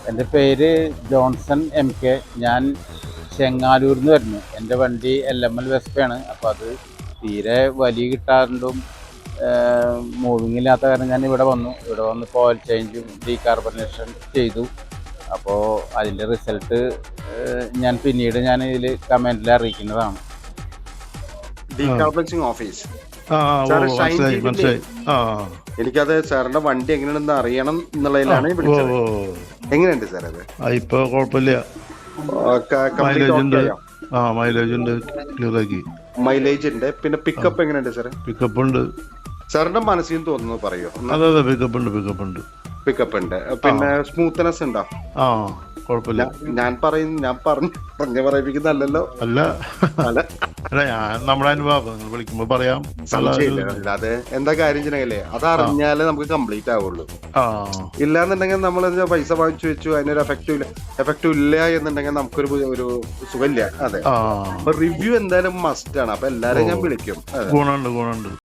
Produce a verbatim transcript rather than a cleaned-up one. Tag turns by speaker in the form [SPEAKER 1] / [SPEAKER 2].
[SPEAKER 1] എൻ്റെ പേര് Johnson M K. ഞാൻ ചെങ്ങാലൂരിൽ നിന്ന് വരുന്നു. എൻ്റെ വണ്ടി എൽ എം എൽ വെസ്പയാണ്. അപ്പോൾ അത് തീരെ വലിയ കിട്ടാറുണ്ടും മൂവിങ് ഇല്ലാത്ത കാരണം ഞാൻ ഇവിടെ വന്നു. ഇവിടെ വന്ന് ഓയിൽ ചേഞ്ചും ഡീകാർബണേഷൻ ചെയ്തു. അപ്പോൾ അതിൻ്റെ റിസൾട്ട് ഞാൻ പിന്നീട് ഞാൻ ഇതിൽ കമൻറ്റിൽ അറിയിക്കുന്നതാണ്.
[SPEAKER 2] ഡീകാർബണൈസിംഗ് ഓഫീസ് എനിക്കത് സാറിന്റെ വണ്ടി എങ്ങനെയാണെന്ന് അറിയണം എന്നുള്ളതിലാണ് വിളിച്ചത്. എങ്ങനെയുണ്ട് സാർ അത്?
[SPEAKER 3] ഇപ്പൊ കുഴപ്പമില്ല,
[SPEAKER 2] മൈലേജ് ഉണ്ട്. പിന്നെ പിക്കപ്പ് എങ്ങനെയുണ്ട് സാർ?
[SPEAKER 3] പിക്കപ്പ് ഉണ്ട്.
[SPEAKER 2] സാറിന്റെ മനസ്സിൽ തോന്നുന്നു പറയോ?
[SPEAKER 3] അതെ അതെ പിക്കപ്പ് ഉണ്ട് പിക്കപ്പ് ഉണ്ട്
[SPEAKER 2] പിക്കപ്പ് ഉണ്ട്. പിന്നെ സ്മൂത്ത്നെസ് ഉണ്ടോ?
[SPEAKER 3] ആ കുഴപ്പമില്ല.
[SPEAKER 2] ഞാൻ പറയുന്നു ഞാൻ പറഞ്ഞു പറഞ്ഞ പറയിപ്പിക്കുന്നല്ലോ.
[SPEAKER 3] അല്ല അല്ല ഞാൻ നമ്മുടെ അനുഭവം വിളിക്കുമ്പോ പറയാം.
[SPEAKER 2] അത് എന്താ കാര്യം ചെയ്യണല്ലേ, അത് അറിഞ്ഞാലേ നമുക്ക് കംപ്ലീറ്റ് ആവുള്ളൂ. ഇല്ലാന്നുണ്ടെങ്കിൽ നമ്മൾ പൈസ വാങ്ങിച്ചു വെച്ചു അതിനൊരു എഫക്റ്റീവ് ഇല്ല എഫക്റ്റീവ് ഇല്ല എന്നുണ്ടെങ്കിൽ നമുക്കൊരു ഒരു സുഖമില്ല. അതെ, അപ്പൊ റിവ്യൂ എന്തായാലും മസ്റ്റ് ആണ്. അപ്പൊ എല്ലാരും ഞാൻ വിളിക്കും.
[SPEAKER 3] ഗുണമുണ്ട് ഗുണമുണ്ട്.